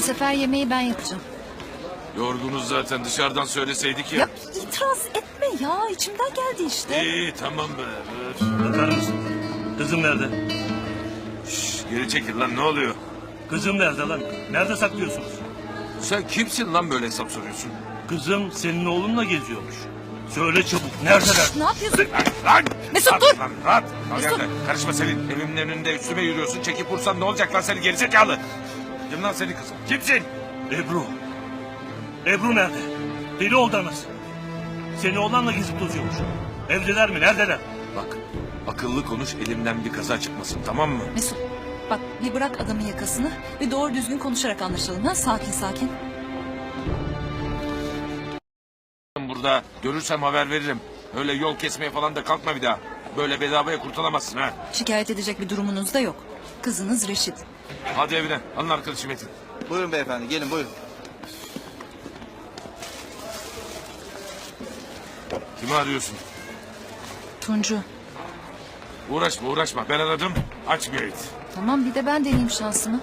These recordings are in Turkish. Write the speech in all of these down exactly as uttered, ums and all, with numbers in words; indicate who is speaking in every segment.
Speaker 1: sefer yemeği ben yapacağım.
Speaker 2: Yorgunuz zaten, dışarıdan söyleseydik ya.
Speaker 1: Ya itiraz etme ya, içimden geldi işte.
Speaker 2: İyi tamam be. Öf.
Speaker 3: Bakar mısın? Kızım nerede?
Speaker 2: Şş, geri çekil lan, ne oluyor?
Speaker 3: Kızım nerede lan? Nerede saklıyorsunuz?
Speaker 2: Sen kimsin lan böyle hesap soruyorsun?
Speaker 3: Kızım senin oğlunla geziyormuş. Söyle çabuk, neredeler?
Speaker 1: Ne yapıyorsun?
Speaker 2: Lan! lan!
Speaker 1: Mesut,
Speaker 2: Rahat,
Speaker 1: dur!
Speaker 2: Lan, rahat! Al
Speaker 1: Mesut!
Speaker 2: gel de. Karışma Selin. Evimin önünde üstüme yürüyorsun. Çekip vursan ne olacak lan seni gerizekalı? Kim lan senin kızım? Kimsin?
Speaker 3: Ebru. Ebru nerede? Deli oldu anası. Seni oğlanla gezip tozuyormuş. Evdeler mi? Neredeler?
Speaker 2: Bak, akıllı konuş, elimden bir kaza çıkmasın, tamam mı?
Speaker 1: Mesut, bak bir bırak adamın yakasını ve doğru düzgün konuşarak anlaşalım. Ha? Sakin sakin.
Speaker 2: Burada görürsem haber veririm. Öyle yol kesmeye falan da kalkma bir daha. Böyle bedavaya kurtulamazsın ha.
Speaker 1: Şikayet edecek bir durumunuz da yok. Kızınız Reşit.
Speaker 2: Hadi evine. Alın arkadaşı Metin.
Speaker 4: Buyurun beyefendi, gelin buyurun.
Speaker 2: Kimi arıyorsun?
Speaker 1: Tuncu.
Speaker 2: Uğraşma uğraşma. Ben aradım. Açmıyor it.
Speaker 1: Tamam, bir de ben deneyeyim şansımı.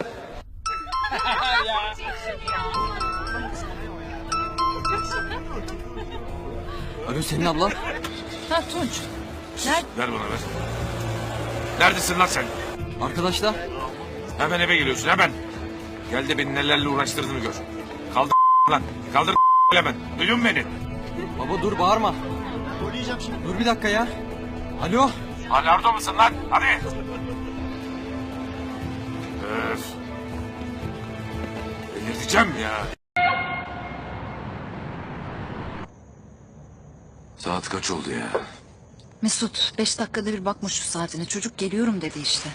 Speaker 5: Alo senin abla.
Speaker 1: Ha Tunç. Nerede?
Speaker 2: Ver bana ver. Neredesin lan sen?
Speaker 5: Arkadaşlar.
Speaker 2: Hemen eve geliyorsun hemen. Gel de beni nelerle uğraştırdığını gör. Kaldır lan. Kaldır hemen. Duydun mu beni?
Speaker 5: Baba dur bağırma. Dur bir dakika ya. Alo.
Speaker 2: Hala orada mısın lan? Hadi. Öf. Delirteceğim ya. Saat kaç oldu ya?
Speaker 1: Mesut, beş dakikada bir bakma şu saatine. Çocuk geliyorum dedi işte.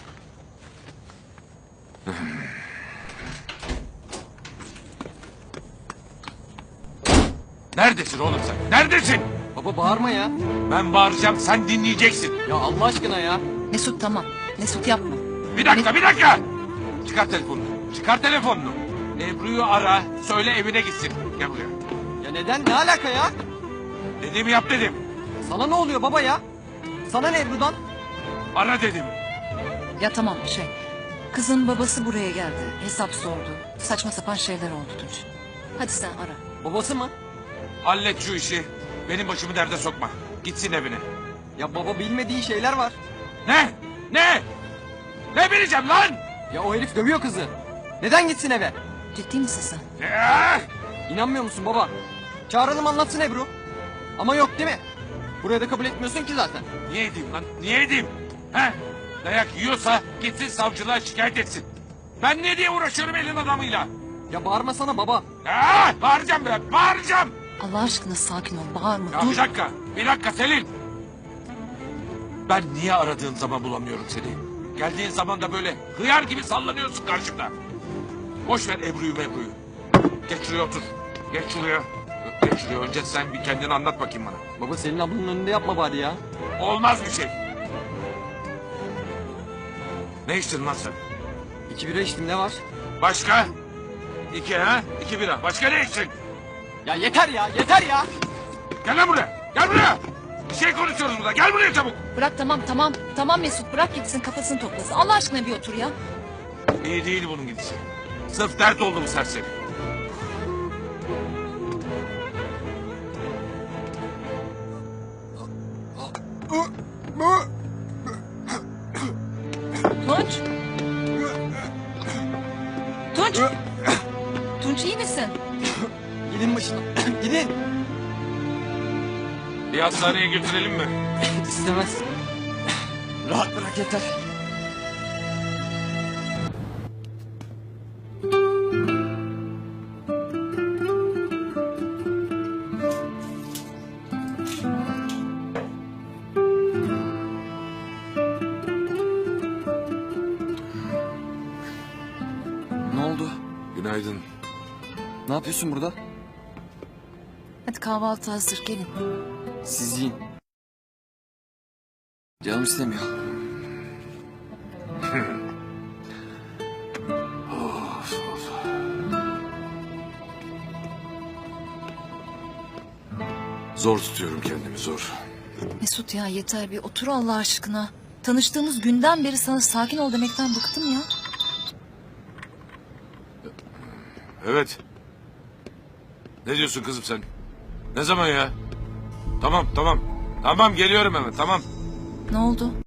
Speaker 2: Neredesin oğlum sen? Neredesin?
Speaker 5: Baba bağırma ya.
Speaker 2: Ben bağıracağım, sen dinleyeceksin.
Speaker 5: Ya Allah aşkına ya.
Speaker 1: Mesut tamam. Mesut yapma.
Speaker 2: Bir dakika, bir dakika. Çıkar telefonunu. Çıkar telefonunu. Ebru'yu ara, söyle evine gitsin. Gel buraya.
Speaker 5: Ya neden ne alaka ya?
Speaker 2: Dediğimi yap dedim.
Speaker 5: Sana ne oluyor baba ya? Sana ne Ebru'dan?
Speaker 2: Ara dedim.
Speaker 1: Ya tamam şey. Kızın babası buraya geldi. Hesap sordu. Saçma sapan şeyler oldu Tunç. Hadi sen ara.
Speaker 5: Babası mı?
Speaker 2: Hallet şu işi. Benim başımı derde sokma. Gitsin evine.
Speaker 5: Ya baba bilmediği şeyler var.
Speaker 2: Ne? Ne? Ne bileceğim lan?
Speaker 5: Ya o herif dövüyor kızı. Neden gitsin eve?
Speaker 1: Ciddi misin sen?
Speaker 2: Ya!
Speaker 5: İnanmıyor musun baba? Çağıralım anlatsın Ebru. Ama yok değil mi? Buraya da kabul etmiyorsun ki zaten.
Speaker 2: Niye edeyim lan? Niye edeyim? He? Dayak yiyorsa gitsin savcılığa şikayet etsin. Ben ne diye uğraşıyorum elin adamıyla?
Speaker 5: Ya bağırmasana baba.
Speaker 2: Ya! Bağıracağım be! Bağıracağım!
Speaker 1: Allah aşkına sakin ol. Bağırma.
Speaker 2: Ya
Speaker 1: Dur.
Speaker 2: bir dakika, bir dakika Selin. Ben niye aradığın zaman bulamıyorum seni? Geldiğin zaman da böyle hıyar gibi sallanıyorsun karşımda. Boş ver Ebru'yu Ebru'yu. Geç şuraya otur. Geç şuraya. Geç şuraya. Önce sen bir kendini anlat bakayım bana.
Speaker 5: Baba senin ablanın önünde yapma bari ya.
Speaker 2: Olmaz bir şey. Ne içtin lan sen?
Speaker 5: İki bira içtim ne var?
Speaker 2: Başka? İki ha? İki bira. Başka ne içtin?
Speaker 5: Ya yeter ya yeter ya.
Speaker 2: Gel lan buraya. Gel buraya. Bir şey konuşuyoruz burada. Gel buraya çabuk.
Speaker 1: Bırak tamam tamam. Tamam Mesut bırak gitsin kafasını toplasın. Allah aşkına bir otur ya.
Speaker 2: İyi değil bunun gidişi. Sırf dert oldu bu serseri.
Speaker 1: Tunç. Tunç. Tunç iyi misin?
Speaker 5: Gidin başına. Gidin.
Speaker 2: Bir hastaneye götürelim mi?
Speaker 5: İstemez. Rahat bırak yeter. Ne oldu?
Speaker 2: Günaydın.
Speaker 5: Ne yapıyorsun burada?
Speaker 1: Hadi kahvaltı hazır gelin.
Speaker 5: Siz yiyin. Canım istemiyor.
Speaker 2: Of, of. Zor tutuyorum kendimi zor.
Speaker 1: Mesut ya yeter bir otur Allah aşkına. Tanıştığımız günden beri sana sakin ol demekten bıktım ya.
Speaker 2: Evet. Ne diyorsun kızım sen? Ne zaman ya? Tamam tamam. Tamam geliyorum hemen tamam.
Speaker 1: Ne oldu?